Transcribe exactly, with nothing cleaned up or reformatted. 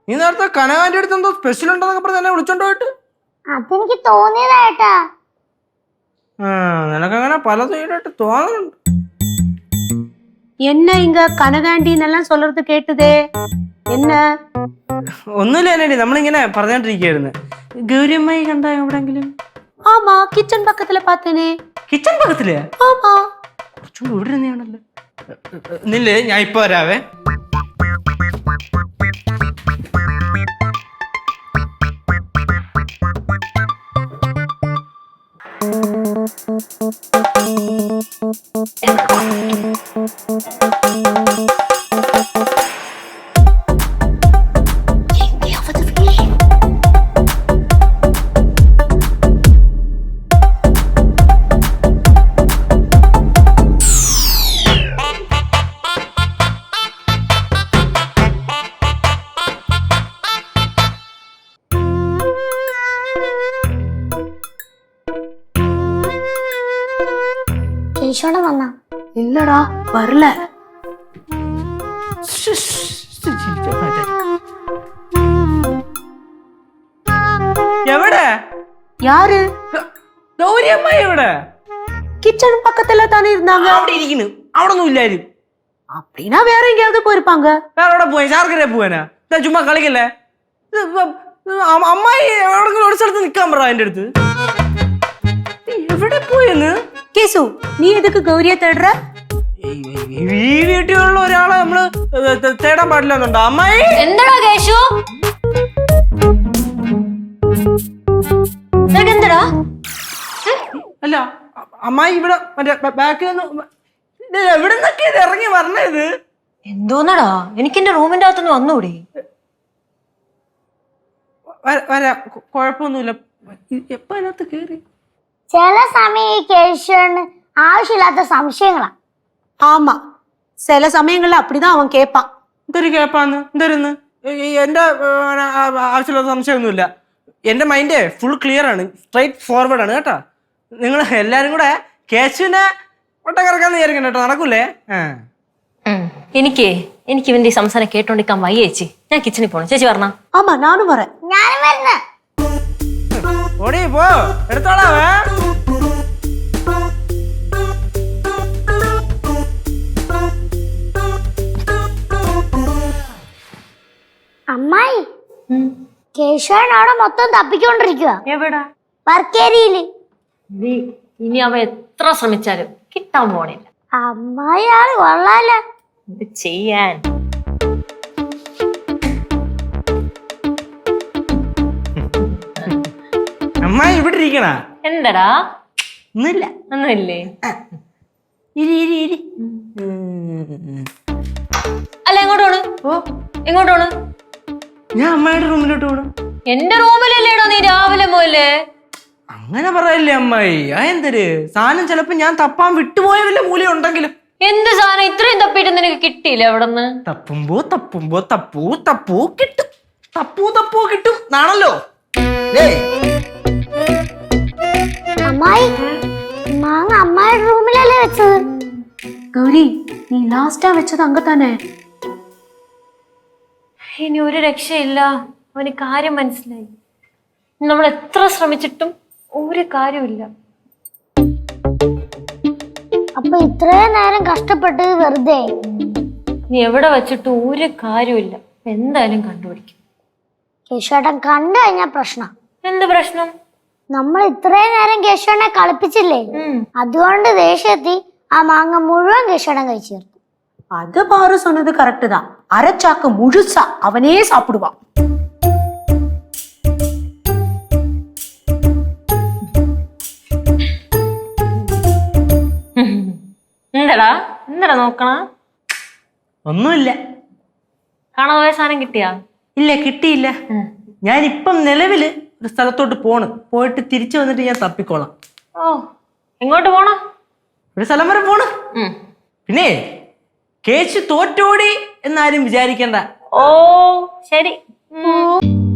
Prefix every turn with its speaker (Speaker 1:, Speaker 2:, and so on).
Speaker 1: നീ നേരത്തെ കനകാന്റെ അടുത്ത് എന്തോ സ്പെഷ്യൽ ഉണ്ടെന്നൊക്കെ പറഞ്ഞ് എന്നെ വിളിച്ചോണ്ട് പോയിട്ട്
Speaker 2: അതെനിക്ക് തോന്നിയതായിട്ടാ.
Speaker 1: നിനക്കങ്ങനെ പലതും ഈടായിട്ട് തോന്നുന്നുണ്ട്.
Speaker 3: என்ன இங்க கனகாண்டின்னு எல்லாம் சொல்றது கேட்டுதே? என்ன?
Speaker 1: ഒന്നുമില്ല എന്നടി, നമ്മളിങ്ങനെ പറഞ്ഞോണ്ടിരിക്കുകയായിരുന്നു. ഗൗരിയമ്മായി കണ്ട എവിടെങ്കിലും?
Speaker 3: ஆமா, கிச்சன் பக்கத்துல பார்த்தேனே.
Speaker 1: കിച്ചൺ പക്കത്തില്ലേ?
Speaker 3: ஆமா.
Speaker 1: കുറച്ചും ഇവിടെ ഇരുന്നാണല്ലോ. നില്ലേ, ഞാൻ ഇപ്പൊ വരാവേ.
Speaker 2: കേശോടെ വന്നാ?
Speaker 3: இல்லடா, வரல.
Speaker 1: എവിടെ?
Speaker 3: யாரு?
Speaker 1: ഗൗരിയമ്മായി എവിടെ?
Speaker 3: கிச்சன் பக்கத்துல தானே இருந்தாங்க.
Speaker 1: അവിടെ ഇരിക്കുന്നു. അവിടെ ഒന്നും ഇല്ലായിരുന്നു.
Speaker 3: அப்படின்னா வேற எங்கேயாவது போயிருப்பாங்க.
Speaker 1: വേറെ എവിടെ പോയി? ശാർക്കര പോവാനാ? ചുമ്മാ കളിക്കല്ലേ. അമ്മായി എവിടെങ്കിലും ഒരു സ്ഥലത്ത് നിക്കാൻ പറ എന്റെ അടുത്ത്. എവിടെ പോയെന്ന്?
Speaker 3: கேசு, நீ எதுக்கு கௌரிய தேடுற?
Speaker 1: ഈ വീട്ടിലുള്ള ഒരാളെ നമ്മള് തേടാൻ പാടില്ല എന്നുണ്ടോ അമ്മായി?
Speaker 4: എന്താടാ കേശു? എന്താടാ?
Speaker 1: അല്ല അമ്മായി ഇവിടെ മറ്റേ ബാക്കിൽ നിന്ന് എവിടെ നിന്നൊക്കെ ഇത് ഇറങ്ങി വരണത്?
Speaker 4: എന്തോന്നടാ, എനിക്ക് എന്റെ റൂമിന്റെ അകത്തുനിന്ന് വന്നൂടെ?
Speaker 1: വരാ, കുഴപ്പമൊന്നുമില്ല. എപ്പ അതിനകത്ത് കേറി?
Speaker 2: ചില സമയം ഈ കേശോന് ആവശ്യമില്ലാത്ത സംശയങ്ങളാ.
Speaker 3: ஆமா, சில சமயங்கள்ல அப்படிதான் அவன் கேட்பான்.
Speaker 1: എന്തൊരു കേപ്പാന്ന്? എന്തോരുന്ന്? എന്റെ ആവശ്യമില്ലാത്ത സംശയമൊന്നുമില്ല. എന്റെ മൈൻഡ് ഫുൾ ക്ലിയർ ആണ്, സ്ട്രൈറ്റ് ഫോർവേഡ് ആണ് കേട്ടോ. നിങ്ങൾ എല്ലാരും കൂടെ കേശുവിനെ ഒട്ടക്കറക്കാന്ന് വിചാരിക്കണ്ട കേട്ടോ, നടക്കൂലേ?
Speaker 4: എനിക്ക് എനിക്ക് ഇവന്റെ സംസാരം കേട്ടോണ്ടിരിക്കാൻ വയ്യ ചേച്ചി. ഞാൻ കിച്ചണിൽ പോണം. ചേച്ചി പറഞ്ഞ?
Speaker 3: ஆமா, நானும் வரேன்.
Speaker 2: ഞാനും വരുന്ന.
Speaker 1: ഓടി പോ, എടുത്തോളാവേ.
Speaker 2: അമ്മായി, കേശവൻ അവിടെ മൊത്തം തപ്പിക്കൊണ്ടിരിക്കുക.
Speaker 4: എവിടാ?
Speaker 2: വർക്കേരിയില്.
Speaker 4: ഇനി അവ എത്ര ശ്രമിച്ചാലും കിട്ടാൻ പോണില്ല.
Speaker 2: അമ്മായി ആള് കൊള്ളാല.
Speaker 4: എന്ത് ചെയ്യാൻ?
Speaker 1: അമ്മായി ഇവിടെ ഇരിക്കണ?
Speaker 4: എന്തടാ?
Speaker 1: ഒന്നുമില്ല.
Speaker 4: ഒന്നുമില്ലേ?
Speaker 1: ഇരി ഇരി ഇരി.
Speaker 4: അല്ല, എങ്ങോട്ട് പോണ്?
Speaker 1: ഓ,
Speaker 4: എങ്ങോട്ട് പോണ്?
Speaker 1: ഞാൻ അമ്മായിയുടെ റൂമിലോട്ട് പോണം.
Speaker 4: എന്റെ റൂമിലല്ലേടോ നീ രാവിലെ പോലെ?
Speaker 1: അങ്ങനെ പറയല്ലേ അമ്മായി. ആ എന്തൊരു സാധനം ചിലപ്പോ ഞാൻ തപ്പാൻ വിട്ടുപോയ വല്ല മൂലം ഉണ്ടെങ്കിലും.
Speaker 4: എന്ത് സാധനം ഇത്രയും തപ്പിട്ട് നിനക്ക് കിട്ടിയില്ല എവിടെന്ന്?
Speaker 1: തപ്പുമ്പോ തപ്പുമ്പോ തപ്പൂ തപ്പൂ കിട്ടും. തപ്പൂ തപ്പൂ കിട്ടും നാണല്ലോ.
Speaker 2: അമ്മായി, മാങ്ങ അമ്മായിയുടെ റൂമിലല്ലേ വെച്ചത്?
Speaker 3: கௌரி, நீ லாஸ்டா வச்சது அங்கதானே?
Speaker 4: ഇനി ഒരു രക്ഷയില്ല. അവന് കാര്യം മനസ്സിലായി. നമ്മൾ എത്ര ശ്രമിച്ചിട്ടും ഒരു കാര്യമില്ല.
Speaker 2: അപ്പൊ ഇത്രയും നേരം കഷ്ടപ്പെട്ടത് വെറുതെ?
Speaker 4: നീ എവിടെ വെച്ചിട്ടും ഒരു കാര്യമില്ല. എന്തായാലും കണ്ടുപിടിക്കും.
Speaker 2: കേശവേട്ടൻ കണ്ടു കഴിഞ്ഞ പ്രശ്നം.
Speaker 4: എന്ത് പ്രശ്നം?
Speaker 2: നമ്മൾ ഇത്രയും നേരം കേശവനെ കളിപ്പിച്ചില്ലേ, അതുകൊണ്ട് ദേഷ്യത്തി ആ മാങ്ങ മുഴുവൻ കേശവൻ കഴിച്ചു തീർത്തു.
Speaker 3: அது பாரு சொன்னது கரெக்ட் தான். அரைச்சாக்கு முழுசா அவனே சாப்பிடுவான்.
Speaker 4: എന്താടാ എന്താടാ നോക്കണ?
Speaker 1: ഒന്നുമില്ല.
Speaker 4: കാണാൻ പോയ സാധനം കിട്ടിയാ?
Speaker 1: ഇല്ല, കിട്ടിയില്ല. ഞാനിപ്പം നിലവില് ഒരു സ്ഥലത്തോട്ട് പോണ്. പോയിട്ട് തിരിച്ചു വന്നിട്ട് ഞാൻ തപ്പിക്കോളാം.
Speaker 4: ഓ, എങ്ങോട്ട് പോണ?
Speaker 1: ഒരു സ്ഥലം വരെ പോണ്. പിന്നെ കേശു തോറ്റോടി എന്നാരും വിചാരിക്കണ്ട.
Speaker 4: ഓ ശരി.